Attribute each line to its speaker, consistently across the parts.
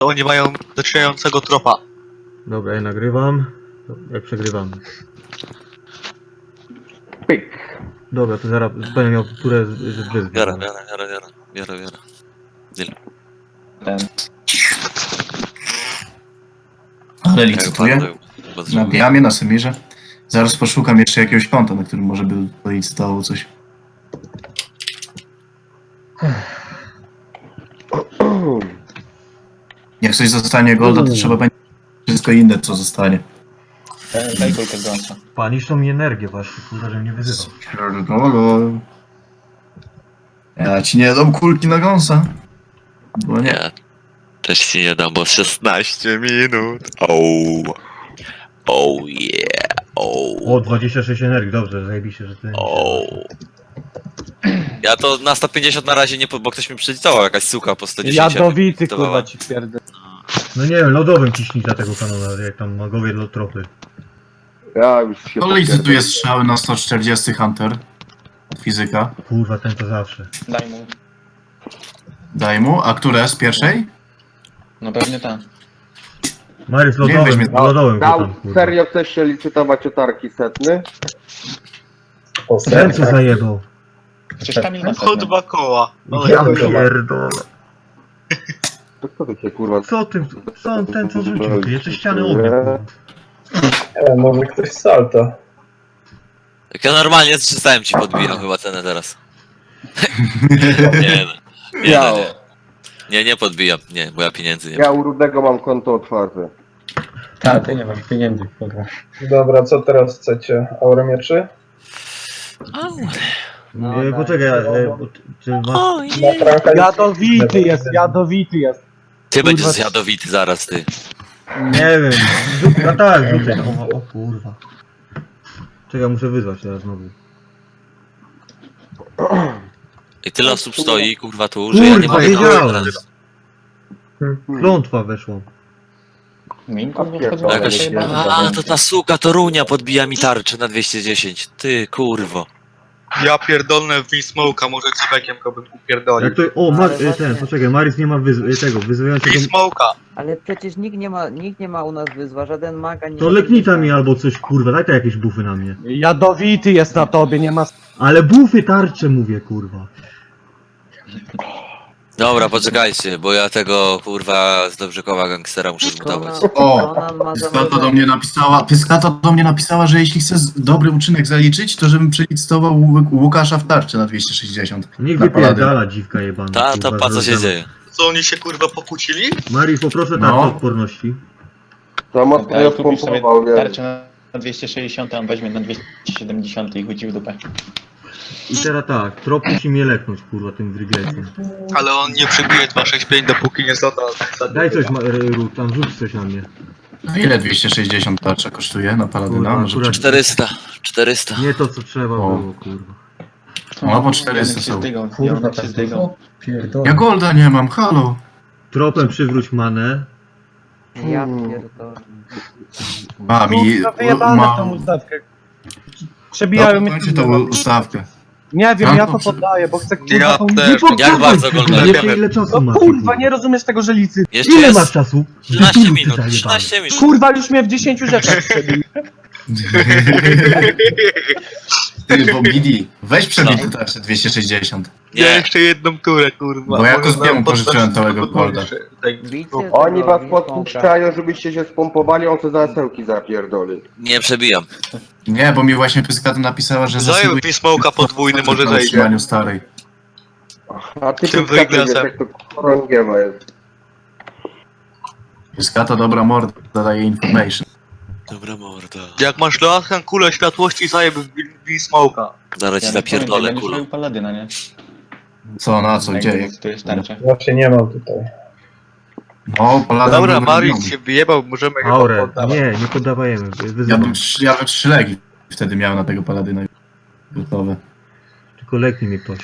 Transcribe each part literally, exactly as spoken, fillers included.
Speaker 1: oni mają zaczynającego tropa.
Speaker 2: Dobra, ja nagrywam. Jak przegrywam.
Speaker 3: Pyk.
Speaker 2: Dobra, to zaraz będę miał turę z z wyzwy.
Speaker 1: Biorę, biorę, biorę, biorę, biorę, biorę. Deal.
Speaker 3: Ten.
Speaker 4: Ale licytuję. Na Diamie, na Semirze. Zaraz poszukam jeszcze jakiegoś konta, na którym może by policytowało coś. Jak coś zostanie golda, to trzeba będzie wszystko inne, co zostanie.
Speaker 3: Daj kulkę gąsa.
Speaker 2: Paniszczą mi energię właśnie, kurwa, że mnie wyzywał.
Speaker 4: Pierdolę. Ja ci nie dam kulki na gąsa. Bo nie.
Speaker 1: Nie. Też ci nie dam, bo szesnaście minut. Oh. Oh yeah. Oh.
Speaker 2: O, dwadzieścia sześć energii, dobrze, zajebiście, że ty...
Speaker 1: Oh. Ja to na sto pięćdziesiąt na razie nie, po- bo ktoś mi przylicował, jakaś suka po sto dziesięć.
Speaker 5: Jadowity
Speaker 1: dawała.
Speaker 5: kurwa ci pierdolę.
Speaker 2: No nie wiem, lodowym ciśnij za tego kanona, jak tam magowie do tropy.
Speaker 3: Ja już się
Speaker 4: To licytuje strzały na sto czterdzieści Hunter. Fizyka.
Speaker 2: Kurwa, ten to zawsze.
Speaker 3: Daj mu.
Speaker 4: Daj mu. A które? Z pierwszej?
Speaker 3: No pewnie tak.
Speaker 2: Mariusz
Speaker 4: Nie
Speaker 2: lodowym,
Speaker 4: weźmie-
Speaker 2: lodowym go
Speaker 6: Dał,
Speaker 2: tam, kurwa.
Speaker 6: serio chcesz się licytować o tarki setny?
Speaker 2: Ten co zajebał.
Speaker 3: Przecież Kamil ma
Speaker 1: Po
Speaker 3: setny.
Speaker 1: dwa koła.
Speaker 2: Ja pierdolę.
Speaker 6: To kto to cię kurwa?
Speaker 2: Co ty, co on ten co rzucił? Ty jeszcze ściany ognia, kurwa.
Speaker 7: E, może ktoś salta.
Speaker 1: Jak ja normalnie z trzysta ci podbijam chyba cenę teraz. Nie no. Nie,
Speaker 6: Ja,
Speaker 1: no, nie. Nie, nie podbijam. Nie, bo ja pieniędzy nie
Speaker 6: ja u Rudego mam konto otwarte.
Speaker 5: Tak, ty nie masz pieniędzy, kurwa.
Speaker 7: Dobra, co teraz chcecie? Aurę mieczy?
Speaker 2: No, e, poczekaj, e, bo ty- czy masz...
Speaker 1: O,
Speaker 7: Na franka
Speaker 5: Jadowity jest, jadowity jest.
Speaker 1: Ty będziesz
Speaker 5: Kurwa.
Speaker 1: jadowity zaraz, ty.
Speaker 2: Nie wiem, rzuć, a tak, rzucaj. O, o kurwa. Czekaj, muszę wyzwać teraz znowu.
Speaker 1: I tyle osób stoi, kurwa, tu, że ja nie
Speaker 2: Kurwa,
Speaker 1: mogę
Speaker 2: wiedziałem.
Speaker 1: teraz.
Speaker 2: Klątwa weszła.
Speaker 3: Minko nie
Speaker 6: Jakaś-
Speaker 3: wchodziła.
Speaker 1: Jakaś... A, to ta suka, to runia podbija mi tarczę na dwieście dziesięć. Ty, kurwo.
Speaker 8: Ja pierdolnę w Smoke'a, może cebekiem go bym upierdolił.
Speaker 2: Jak to... O, Mar...
Speaker 9: Ale
Speaker 2: e, ten,
Speaker 9: właśnie-
Speaker 2: poczekaj, Maris nie ma wyz... tego, wyzywającego...
Speaker 8: Smoke'a.
Speaker 9: Ale przecież nikt nie ma, nikt nie ma u nas wyzwa, żaden maga nie
Speaker 2: To
Speaker 9: ma
Speaker 2: leknica
Speaker 9: wyzwa.
Speaker 2: mi albo coś, kurwa, daj to jakieś bufy na mnie.
Speaker 5: Jadowity jest na tobie, nie ma...
Speaker 2: Ale bufy tarcze mówię, kurwa.
Speaker 1: Dobra, poczekajcie, bo ja tego, kurwa, z Dobrzykowa gangstera muszę zbudować.
Speaker 9: Conan-
Speaker 4: O,
Speaker 9: Conan ma
Speaker 4: Pyskata do
Speaker 9: zamrożenie.
Speaker 4: mnie napisała, Pyskata do mnie napisała, że jeśli chcę z- dobry uczynek zaliczyć, to żebym przelicytował Łu- Łukasza w tarczy na dwieście sześćdziesiąt.
Speaker 2: Niech
Speaker 4: Na paladyn.
Speaker 2: wypierdala dziwka jebana.
Speaker 1: Ta,
Speaker 2: kurwa,
Speaker 1: to pa co się
Speaker 2: zrobiona.
Speaker 1: dzieje?
Speaker 8: Co oni się kurwa pokłócili?
Speaker 2: Maris, poproszę
Speaker 4: No.
Speaker 2: tarczę odporności.
Speaker 6: To mocno
Speaker 3: Ja
Speaker 6: ja
Speaker 3: kupisz sobie
Speaker 6: spompował, nie?
Speaker 3: tarczę na dwieście sześćdziesiąt, a on weźmie na dwieście siedemdziesiąt i chwyci w dupę.
Speaker 2: I teraz tak, trop musi mnie leknąć, kurwa, tym wryglecem.
Speaker 8: Ale on nie przebije dwa sześć pięć, dopóki nie zada.
Speaker 2: Daj coś, Ma- Ru, tam rzuć coś na mnie.
Speaker 4: A ile dwieście sześćdziesiąt tarcza kosztuje na Paladyna?
Speaker 2: Kurwa,
Speaker 4: Może
Speaker 2: akurat-
Speaker 1: czterysta. czterysta.
Speaker 2: Nie to, co trzeba
Speaker 4: O.
Speaker 2: było, kurwa.
Speaker 4: O, bo czterysta
Speaker 3: Janek się
Speaker 4: są.
Speaker 3: zdygał,
Speaker 5: Kurwa,
Speaker 3: Janek się
Speaker 5: tak
Speaker 3: zdygał.
Speaker 5: Pierdolę.
Speaker 4: Ja golda nie mam, halo.
Speaker 2: Tropem przywróć manę.
Speaker 9: Ja pierdolę.
Speaker 4: Mami,
Speaker 5: Kurwa, wyjebane
Speaker 4: ma...
Speaker 5: tą ustawkę. Przebijają mnie...
Speaker 4: Dajcie tą ustawkę.
Speaker 5: Nie wiem,
Speaker 4: Ja
Speaker 5: ja
Speaker 4: to
Speaker 5: to
Speaker 4: przy-
Speaker 5: poddaję, bo chcę kurwa
Speaker 8: Ja
Speaker 5: tą...
Speaker 8: też.
Speaker 2: Nie podsuwaj
Speaker 1: Jak bardzo
Speaker 2: kurwa,
Speaker 1: oglądasz?
Speaker 2: Jeszcze ile czasu
Speaker 5: No
Speaker 2: masz?
Speaker 5: kurwa, nie rozumiesz tego, że licy...
Speaker 1: Jeszcze
Speaker 2: Ile
Speaker 1: jest
Speaker 2: masz czasu?
Speaker 1: trzynaście
Speaker 2: Ty
Speaker 1: minut,
Speaker 2: zajebany.
Speaker 1: trzynaście minut.
Speaker 5: Kurwa, już mnie w dziesięciu rzeczach przebił.
Speaker 4: Ty, bo Bidi, weź przebij tę tarczę dwieście sześćdziesiąt.
Speaker 8: Ja
Speaker 1: Nie,
Speaker 8: jeszcze jedną turę kurwa.
Speaker 4: Bo ja
Speaker 8: Może
Speaker 4: Kozbiemu
Speaker 8: nam
Speaker 4: pożyczyłem
Speaker 8: poddać
Speaker 4: całego
Speaker 8: tylko
Speaker 4: golda.
Speaker 8: dłuższe. Tak.
Speaker 9: Bicie
Speaker 6: Oni
Speaker 9: tego
Speaker 6: was
Speaker 9: Wismoka.
Speaker 6: podpuszczają, żebyście się spompowali, on co za esełki zapierdoli.
Speaker 1: nie przebijam.
Speaker 4: Nie, bo mi właśnie Pyskata napisała, że
Speaker 8: Zajął
Speaker 4: zasługuje
Speaker 8: Smoke'a podwójny, może
Speaker 4: na
Speaker 8: zejdzie.
Speaker 4: utrzymaniu starej.
Speaker 6: A ty
Speaker 8: Tym
Speaker 6: tu wiesz,
Speaker 8: wyglazem.
Speaker 6: jak to chorągiewa jest.
Speaker 4: Pyskata dobra morda, daje information.
Speaker 1: Dobra morda.
Speaker 8: Jak masz laskę kulę światłości, zajeb w Smoke'a.
Speaker 1: Zaraz ci
Speaker 3: Janek,
Speaker 1: zapierdolę,
Speaker 3: będziesz
Speaker 1: kurwa.
Speaker 3: miał Paladyna, nie?
Speaker 4: Co, na co,
Speaker 3: Jak
Speaker 4: gdzie?
Speaker 3: licytujesz tarczę.
Speaker 7: Właśnie nie mam tutaj.
Speaker 4: No, Paladyn
Speaker 8: Dobra,
Speaker 4: był
Speaker 8: Mariusz
Speaker 4: wyrobiony.
Speaker 8: się wyjebał, możemy chyba
Speaker 2: Aurę,
Speaker 8: poddawać.
Speaker 2: nie, nie poddawajemy.
Speaker 4: Ja
Speaker 2: Wyzywam.
Speaker 4: bym, trzy- ja bym trzy legi wtedy miał na tego Paladyna gotowe.
Speaker 2: Tylko leknij mnie ktoś.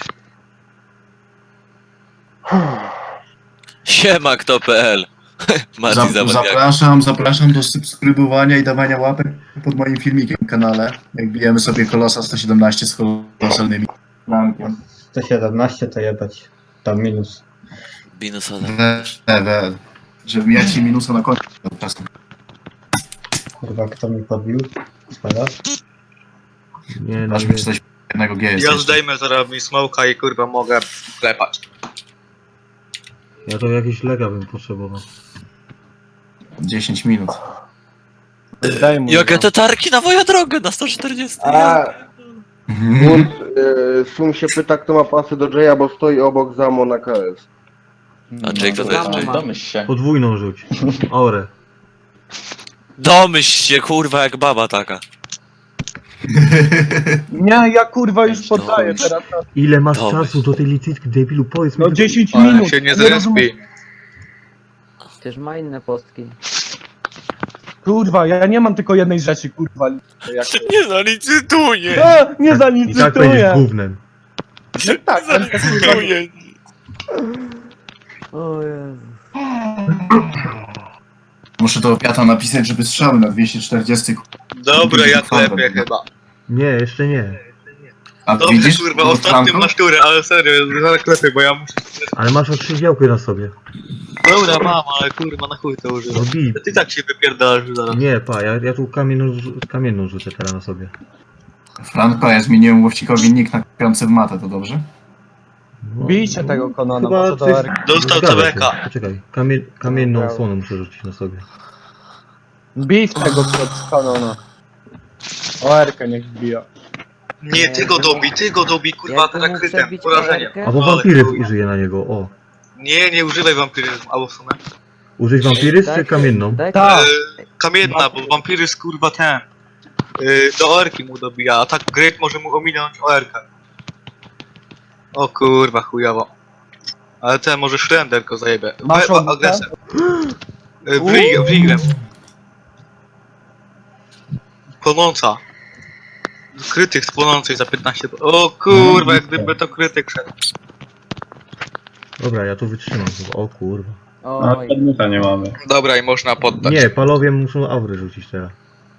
Speaker 1: Siema kto kropka p l. Mati
Speaker 4: Zap,
Speaker 1: Zawadiak.
Speaker 4: zapraszam, zapraszam do subskrybowania i dawania łapek pod moim filmikiem na kanale. Jak bijemy sobie Kolosa sto siedemnaście z kolosalnymi.
Speaker 5: sto siedemnaście to jebać. Tam minus.
Speaker 1: Binus Adam.
Speaker 4: We, we, Żeby mieć ci minusa na końcu czasu.
Speaker 7: Kurwa, kto mi podbił? Spadasz?
Speaker 2: Nie, no
Speaker 4: Aż
Speaker 2: nie.
Speaker 4: mi coś jednego G jest
Speaker 8: Ja
Speaker 4: jeszcze.
Speaker 8: zdejmę zaraz Winsmoka i kurwa mogę klepać.
Speaker 2: Ja to jakieś lega bym potrzebował.
Speaker 4: dziesięć minut.
Speaker 5: Daj mu.
Speaker 1: Jakie te tarki na moją drogę na sto czterdzieści?
Speaker 6: A, Wód, y, Sum się pyta, kto ma pasy do Jaya, bo stoi obok Zamo na K S.
Speaker 1: A Jake to jest
Speaker 9: Zamo
Speaker 1: Jake.
Speaker 9: ma.
Speaker 3: Domyśl się.
Speaker 2: Podwójną rzuć. Aurę.
Speaker 1: Domyśl się, kurwa, jak baba taka.
Speaker 5: Nie, ja kurwa już poddaję teraz.
Speaker 2: Ile masz
Speaker 1: Dobra.
Speaker 2: czasu do tej licytki, debilu? Powiedz mi.
Speaker 5: No
Speaker 2: tylko-
Speaker 5: dziesięć
Speaker 8: Ale
Speaker 5: minut.
Speaker 8: się nie
Speaker 5: Nie rozumiem-
Speaker 8: zrespi.
Speaker 9: Przecież ma inne postki.
Speaker 5: Kurwa, ja nie mam tylko jednej rzeczy, kurwa. Jak...
Speaker 1: Nie zalicytuję!
Speaker 5: A, nie
Speaker 2: I tak będziesz
Speaker 5: zalicytuję.
Speaker 2: gównem.
Speaker 5: Tak, ale to kurwa.
Speaker 9: O Jezu.
Speaker 4: Muszę to Piata napisać, żeby strzały na dwieście czterdzieści.
Speaker 8: Dobra, ja klepię chyba.
Speaker 2: Nie, jeszcze nie.
Speaker 4: A
Speaker 8: Dobrze
Speaker 4: widzisz?
Speaker 8: kurwa,
Speaker 4: Franko?
Speaker 8: ostatnią masz turę, ale serio, zaraz klepię, bo ja muszę...
Speaker 2: Ale masz okrzywiałkę na sobie.
Speaker 8: Dobra, mam, ale kurwa, na chuj to
Speaker 2: No
Speaker 8: używam.
Speaker 2: bij.
Speaker 8: Ty tak się wypierdalasz zaraz.
Speaker 2: Nie, pa, ja, ja tu kamienną, rzu- kamienną rzucę teraz na sobie.
Speaker 4: Franko, ja zmieniłem łowcikowi nick na piący w matę, to dobrze?
Speaker 2: No,
Speaker 5: Bijcie tego Konana,
Speaker 2: Chyba
Speaker 5: może do
Speaker 2: coś-
Speaker 5: Erki.
Speaker 8: Dostał
Speaker 2: Zgadza się.
Speaker 8: C B K.
Speaker 2: Poczekaj, kamie, kamienną
Speaker 9: Dobra.
Speaker 2: osłonę muszę rzucić na sobie.
Speaker 5: Bij w tego Konana. O Erkę niech wbija.
Speaker 8: Nie, ty go dobij, ty go dobij, kurwa,
Speaker 9: Jakby mógł
Speaker 8: zakrytem,
Speaker 9: zabić
Speaker 8: porażeniem.
Speaker 9: Erkę?
Speaker 2: Albo
Speaker 8: Ale
Speaker 2: wampiryzm
Speaker 8: chuj.
Speaker 2: użyję na niego, o.
Speaker 8: Nie, nie używaj wampiryzmu, albo w sumie.
Speaker 2: Użyć wampiryzm czy
Speaker 9: Daj-
Speaker 2: kamienną?
Speaker 9: daj-
Speaker 5: Tak.
Speaker 8: E, kamienna, bo wampiryzm kurwa ten. E, do orki mu dobija, a tak Great może mu ominąć o erkę. O kurwa, chujowo. Ale ten może Shrender go zajebie.
Speaker 5: Masz
Speaker 8: We-
Speaker 5: obudkę?
Speaker 8: agresem. E, Wrig- Wriglem. Płonąca. Krytyk z płonącej za piętnaście. O kurwa, jak gdyby to krytyk szedł.
Speaker 2: Dobra, ja tu wytrzymam chyba, o kurwa.
Speaker 9: Oj.
Speaker 7: Przedmiota nie mamy.
Speaker 8: Dobra, i można poddać.
Speaker 2: Nie, palowie muszą aurę rzucić teraz.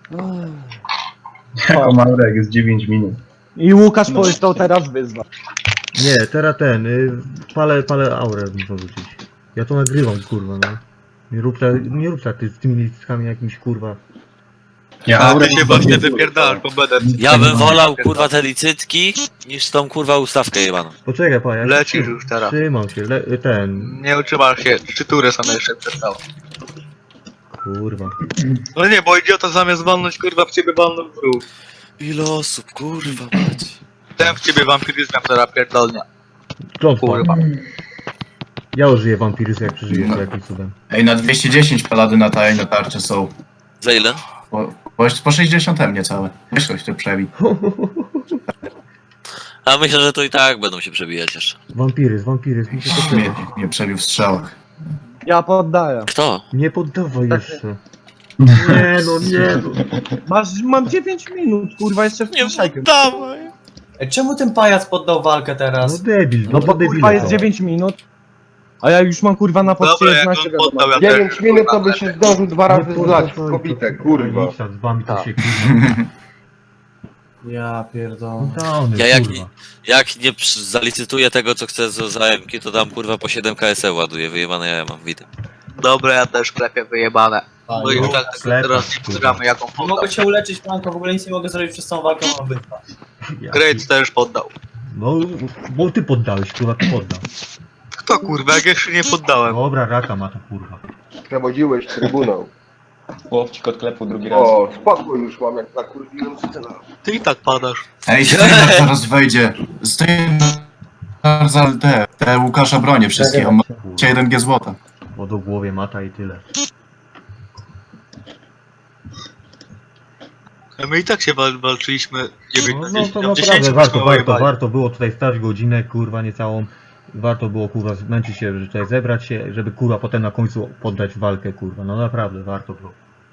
Speaker 7: Jako Marek jest dziewięć minut.
Speaker 5: I Łukasz powiedział teraz wyzwa.
Speaker 2: Nie, teraz ten, y, palę, palę aurę muszą rzucić. Ja to nagrywam, kurwa, no. Nie rób tak, nie rób tak ty, z tymi liczkami jakimś, kurwa.
Speaker 7: Ja
Speaker 8: A ty się właśnie wypierdalasz, bo będę.
Speaker 1: Ja bym wolał, kurwa, te licytki, niż tą, kurwa, ustawkę jebaną.
Speaker 2: Poczekaj, pa, ja się
Speaker 8: Lecisz
Speaker 2: trzy-
Speaker 8: już teraz.
Speaker 2: Trzymam się, le, ten,
Speaker 8: Nie utrzymasz się, trzy tury są jeszcze przestało.
Speaker 2: kurwa.
Speaker 8: No nie, bo idiota zamiast walnąć kurwa w ciebie walnął w ruch.
Speaker 1: Ile osób, kurwa, mać.
Speaker 8: Ten w ciebie wampiryzmem teraz pierdolnia.
Speaker 2: Klątwa.
Speaker 8: Kurwa.
Speaker 2: Ja użyję wampiryzmu jak przeżyję, to jakimś cudem.
Speaker 4: Ej, na dwieście dziesięć palady na taj na tarczy są.
Speaker 1: Za ile?
Speaker 4: Po, po, po sześćdziesiąt niecałe. Weź ktoś to przebij.
Speaker 1: A myślę, że to i tak będą się przebijać jeszcze.
Speaker 2: Wampiryzm, wampiryzm, muszę to
Speaker 4: Mnie,
Speaker 2: przejść.
Speaker 4: mnie przebił w strzałach.
Speaker 5: Ja poddaję.
Speaker 1: Kto?
Speaker 2: Nie poddawaj jeszcze. Nie no, nie no.
Speaker 5: Masz, mam dziewięć minut, kurwa, jeszcze w
Speaker 1: Nie
Speaker 5: szajkę.
Speaker 1: poddawaj.
Speaker 10: Czemu ten pajac poddał walkę
Speaker 2: No
Speaker 10: teraz?
Speaker 2: debil,
Speaker 5: No
Speaker 2: no
Speaker 5: bo
Speaker 2: to
Speaker 5: kurwa
Speaker 2: debile
Speaker 5: jest
Speaker 2: to.
Speaker 5: dziewięć minut. A ja już mam kurwa na poczcie
Speaker 8: Dobra, jak on
Speaker 5: jedenaście
Speaker 8: poddał,
Speaker 5: wiadomo.
Speaker 8: ja
Speaker 6: dziewięć
Speaker 8: też,
Speaker 6: minut to
Speaker 8: kurwa,
Speaker 6: by się zdążył dwa razy zlać w kobitę, kurwa.
Speaker 2: Z wami to
Speaker 9: Tak.
Speaker 2: się kurwa.
Speaker 10: Ja pierdolę.
Speaker 2: Downy,
Speaker 1: Ja jak
Speaker 2: kurwa.
Speaker 1: Jak nie przy- zalicytuję tego, co chcę za za M K, to dam, kurwa, po siedem K S E ładuję, wyjebane ja mam, widzę.
Speaker 8: Dobra, ja też klepię wyjebane. Bo już tak
Speaker 2: sklepy,
Speaker 8: teraz nie
Speaker 2: kurwa.
Speaker 8: pozdramy jaką
Speaker 10: Nie
Speaker 8: poddał.
Speaker 10: mogę cię uleczyć, Franko, w ogóle nic nie mogę zrobić przez tą walkę, mam obydwa.
Speaker 2: Ja
Speaker 8: Great też poddał.
Speaker 2: No, bo ty poddałeś, kurwa, ty poddał.
Speaker 8: Kto kurwa, jak jeszcze nie poddałem?
Speaker 2: Dobra, raka ma to, kurwa.
Speaker 6: Przewodziłeś trybunał.
Speaker 3: Łowcik odklepł drugi raz.
Speaker 6: O, spokój już mam, jak nakurwiłem syna.
Speaker 8: Ty i tak padasz.
Speaker 4: Ej, Steiner zaraz wejdzie. Steiner za te, te Łukasza bronie wszystkie. On ma
Speaker 2: Kurwa.
Speaker 4: jeden G złota.
Speaker 2: Bo do głowie mata i tyle.
Speaker 8: A my i tak się wal walczyliśmy dziewięć
Speaker 2: No,
Speaker 8: na
Speaker 2: no
Speaker 8: dziesięć.
Speaker 2: to
Speaker 8: a w
Speaker 2: naprawdę
Speaker 8: dziesięciu
Speaker 2: warto,
Speaker 8: byśmy
Speaker 2: warto,
Speaker 8: wojowali.
Speaker 2: warto było tutaj stać godzinę, kurwa, niecałą. Warto było, kurwa, zmęczyć się, że tutaj zebrać się, żeby, kurwa, potem na końcu poddać walkę, kurwa. No naprawdę, warto było.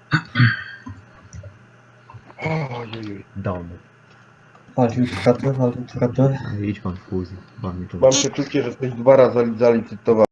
Speaker 6: Ojej.
Speaker 2: Downy.
Speaker 7: Walczył w chatę, walczył w chatę.
Speaker 2: Idź pan w chuj, z wami to.
Speaker 6: Mam przeczucie, że jesteś dwa razy zalicytowany.